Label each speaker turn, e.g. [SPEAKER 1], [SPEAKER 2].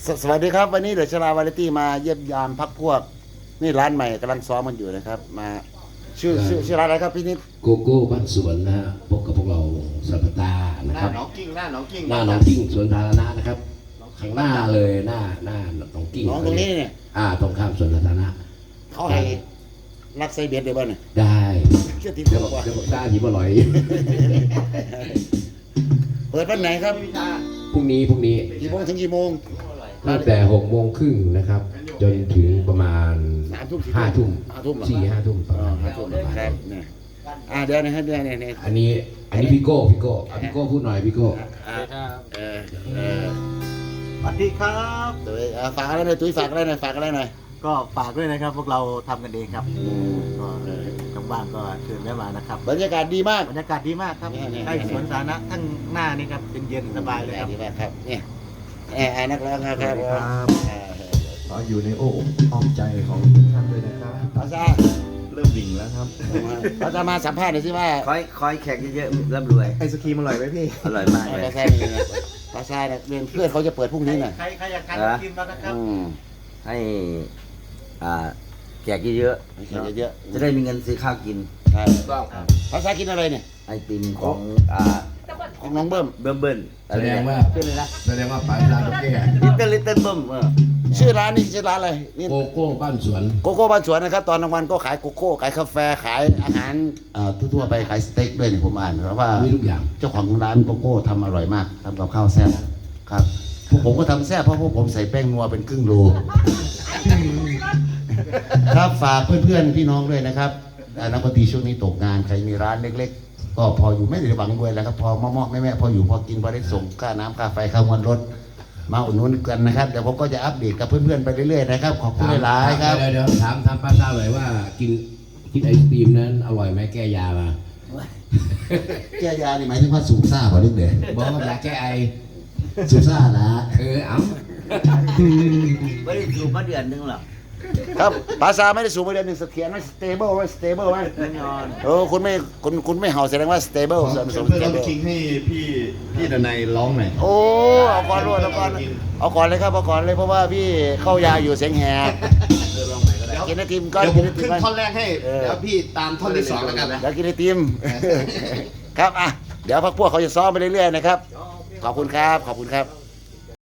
[SPEAKER 1] สวัสดีครับวันนี้เดอะชลาวาไรตี้มาเยี่ยมยามพักพวกนี่ร้านใหม่กำลังซ้อมมันอยู่นะครับมาชื่อร้านอะไรครับพี่นิด
[SPEAKER 2] โกโก้บ้านสวนนะฮะพบกับพวกเราสัปดาห์นะครับ
[SPEAKER 3] หน้าหนองกิ้งหน้าหนองกิ้ง
[SPEAKER 2] สวนสาธารณะนะครับข้างหน้าเลยหน้าหนองกิ้ง
[SPEAKER 1] น้องตรงนี้เนี่ย
[SPEAKER 2] ตรงข้ามสวนสาธารณะ
[SPEAKER 1] เขาให้รักไซเบียดได้บ้างเนี่ย
[SPEAKER 2] ได้
[SPEAKER 1] เชื่อติด
[SPEAKER 2] เดี๋ยว
[SPEAKER 1] บอกว่า
[SPEAKER 2] ได้หยิบอร่อย
[SPEAKER 1] เปิดวันไหนครับ
[SPEAKER 2] พรุ่งนี้
[SPEAKER 1] กี่โมงถึงกี่โมง
[SPEAKER 2] ตั้งแต่6 โมงครึ่งนะครับจนถึงประมาณ5 ทุ่ม5 ทุ่มประมาณ5 ทุ่ม
[SPEAKER 1] ครับเนี่ยเดี๋ยวนะครับเดี๋ยวเนี่ย
[SPEAKER 2] อันนี้พี่โก้พูดหน่อยพี่โก้
[SPEAKER 3] สวัสดีครับ
[SPEAKER 1] ฝากอะไรหน่อยตุ้ยฝากอะไรหน่อย
[SPEAKER 3] ก็ฝากด้วยนะครับพวกเราทำกันเองครับก็ว่างๆก็เชิญแวะมานะครับ
[SPEAKER 1] บรรยากาศดีมาก
[SPEAKER 3] ครับใกล้สวนสาธารณะทั้งหน้านี่ครับเย็นๆสบายเลยครับ
[SPEAKER 1] ดีมากครับเนี่ยนักร้องครับ
[SPEAKER 3] ขออยู่ในโอ้อ้อมใจของทุกท่านด้วยนะครับ
[SPEAKER 1] ภาษา
[SPEAKER 3] เริ่มดิ่งแล้วครับ
[SPEAKER 1] ภาษามาสัมภาษณ์หน่อยสิว่า
[SPEAKER 4] คอยแขกเยอะๆร่ำรวย
[SPEAKER 3] ไอศครีมอร่อยไหมพี่
[SPEAKER 4] อร่อยมากเลย
[SPEAKER 1] ภาษาเรียนเพื่อนเขาจะเปิดพรุ่งนี้น่ะ
[SPEAKER 3] ใครอยากทานกินมานะครับ
[SPEAKER 4] ให้แขกเยอะๆจะได้มีเงินซื้อข้าวกิน
[SPEAKER 1] ใช่ภาษากินอะไรเนี่ย
[SPEAKER 4] ไอติมของ
[SPEAKER 1] น้องเบิ้ม
[SPEAKER 2] แสดงว่าปลาลาโอเกะ
[SPEAKER 4] ลิตเติ้ลเบิ้ม
[SPEAKER 1] ชื่อร้านนี่ชื่อร้านอะไร
[SPEAKER 2] โกโก้บ้านสวน
[SPEAKER 1] นะครับตอนกลางวันก็ขายโกโก้ขายกาแฟขายอาหารทั่วไปขายสเต็กด้วยนี่ผมอ่านเพราะว่า
[SPEAKER 2] มีทุกอย่าง
[SPEAKER 1] เจ้าของร้านโกโก้ทำอร่อยมากทำกับข้าวแซ่บครับพวกผมก็ทำแซ่บเพราะพวกผมใส่แป้งนัวเป็นครึ่งโลครับฝากเพื่อนๆพี่น้องด้วยนะครับนักดนตรีช่วงนี้ตกงานใครมีร้านเล็กๆก็พออยู่ไม่ได้หวังรวยแล้วครับพอมอแม่พออยู่พอกินพอได้ส่งค่าน้ำค่าไฟค่างวดรถมาอุดหนุนกันนะครับเดี๋ยวผมก็จะอัปเดตกับเพื่อนๆไปเรื่อยๆนะครับขอบคุณหลายๆครับ
[SPEAKER 2] เดี๋ยวถามป้าทราบเลยว่ากินไอศครีมนั้นอร่อยไหมแก้ยามา
[SPEAKER 1] แก้ยานี่หมายถึงว่าสูบซ่าเปล่าลูกเด็ก
[SPEAKER 2] บอกว่ายาแก้ไอ
[SPEAKER 1] สูบซ่านะ
[SPEAKER 2] เอา
[SPEAKER 4] ไม่ได้สูบมาเดือนนึงหรอก
[SPEAKER 1] ครับภาษาไม่ได้สูงไปเดือนหนึ่งเสถียรไหม stable ไหม stable ไหม
[SPEAKER 4] แน่นอน
[SPEAKER 1] คุณไม่เห่าแสดงว่า stable
[SPEAKER 3] เริ่มคิงให้พี่ดนัยร้องหน่อย
[SPEAKER 1] เอาก่อนเลยครับเอาก่อนเลยเพราะว่าพี่เข้ายาอยู่เสียงแหบกินไอติมก็
[SPEAKER 3] เดี๋ยวผมขึ้นท่อนแรกให้แล้วพี่ตามท่อนที่2แล้วกันนะ
[SPEAKER 1] เดี๋ยวกินไอติมครับเดี๋ยวพวกเขาจะซ้อมไปเรื่อยๆนะครับขอบคุณครับ